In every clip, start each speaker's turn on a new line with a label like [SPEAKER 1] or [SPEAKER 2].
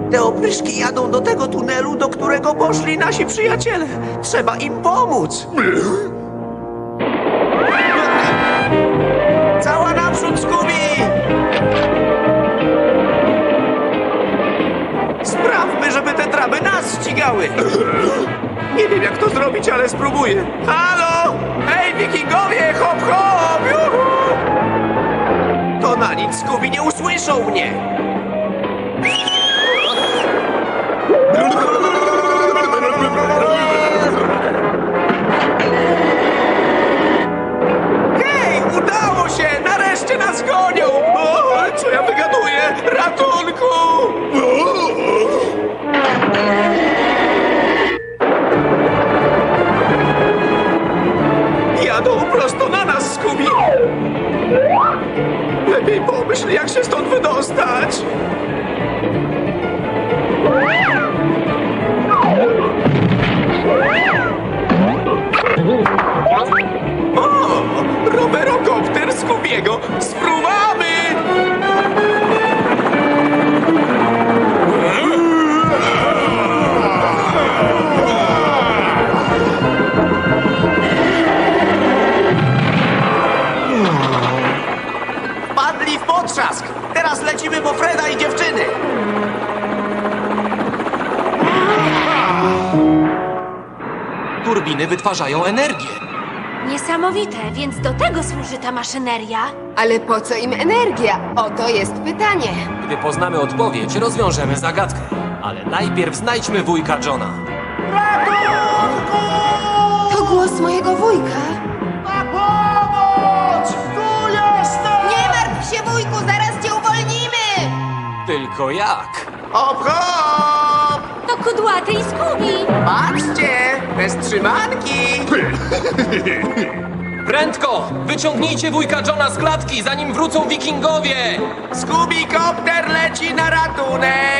[SPEAKER 1] Te opryszki jadą do tego tunelu, do którego poszli nasi przyjaciele. Trzeba im pomóc. Cała naprzód, Scooby! Sprawmy, żeby te traby nas ścigały. Nie wiem, jak to zrobić, ale spróbuję. Halo! Hej, wikingowie! Hop, hop! Juhu! To na nic, Scooby, nie usłyszą mnie. Hej, udało się! Nareszcie nas gonią! O, co ja wygaduję? Ratunku! Jadą prosto na nas, Scooby! Lepiej pomyśl, jak się stąd wydostać! O! Rowerokopter Scoobiego! Spróbamy! Padli w potrzask! Teraz lecimy po Freda i dziewczyny!
[SPEAKER 2] Turbiny wytwarzają energię.
[SPEAKER 3] Niesamowite, więc do tego służy ta maszyneria.
[SPEAKER 4] Ale po co im energia? Oto jest pytanie.
[SPEAKER 2] Gdy poznamy odpowiedź, rozwiążemy zagadkę. Ale najpierw znajdźmy wujka Johna.
[SPEAKER 4] To głos mojego wujka. Nie martw się, wujku, zaraz cię uwolnimy!
[SPEAKER 2] Tylko jak?
[SPEAKER 1] Hop, hop!
[SPEAKER 3] To kudłaty i Scooby.
[SPEAKER 1] Patrzcie! Bez trzymanki!
[SPEAKER 2] Prędko! Wyciągnijcie wujka Johna z klatki, zanim wrócą wikingowie!
[SPEAKER 1] Scooby-kopter leci na ratunek!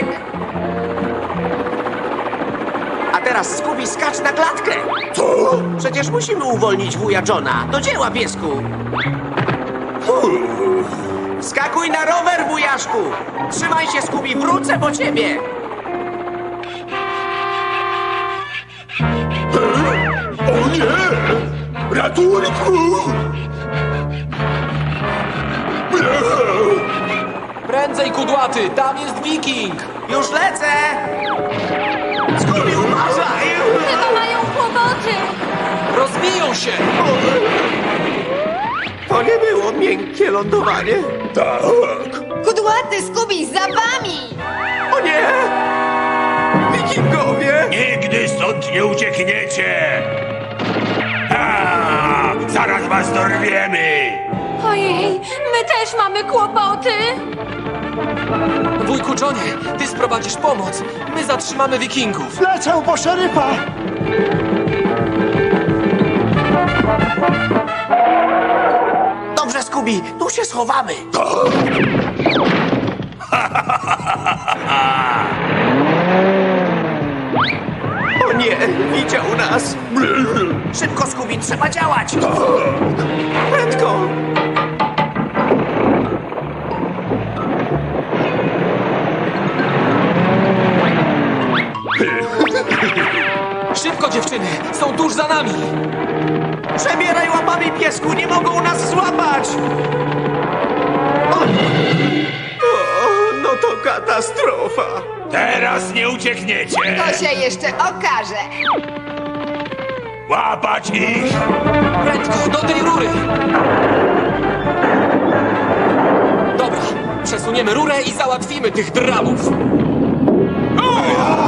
[SPEAKER 1] A teraz, Scooby, skacz na klatkę! Co? Przecież musimy uwolnić wuja Johna. Do dzieła, piesku! Skakuj na rower, wujaszku! Trzymaj się, Scooby, wrócę po ciebie!
[SPEAKER 5] O nie! Ratunku!
[SPEAKER 2] Prędzej, kudłaty! Tam jest wiking!
[SPEAKER 1] Już lecę! Scooby, uważaj!
[SPEAKER 3] Chyba mają kłopoty.
[SPEAKER 2] Rozbiją się!
[SPEAKER 1] To nie było miękkie lądowanie.
[SPEAKER 5] Tak!
[SPEAKER 4] Kudłaty, Scooby, za wami!
[SPEAKER 1] O nie! Wikingowie!
[SPEAKER 5] Nigdy stąd nie uciekniecie! Ha! Zaraz was dorwiemy!
[SPEAKER 3] Ojej, my też mamy kłopoty.
[SPEAKER 2] Wujku Johnie, ty sprowadzisz pomoc. My zatrzymamy wikingów.
[SPEAKER 6] Lecę po szeryfa!
[SPEAKER 1] Dobrze, Scooby, tu się schowamy. O nie, widział nas. Szybko, Scooby, trzeba działać. Prędko.
[SPEAKER 2] Szybko, dziewczyny! Są tuż za nami!
[SPEAKER 1] Przebieraj łapami, piesku, nie mogą nas złapać. O, no to katastrofa.
[SPEAKER 5] Teraz nie uciekniecie!
[SPEAKER 4] To się jeszcze okaże.
[SPEAKER 5] Łapać ich!
[SPEAKER 2] Prędko, do tej rury! Dobra, przesuniemy rurę i załatwimy tych drabów.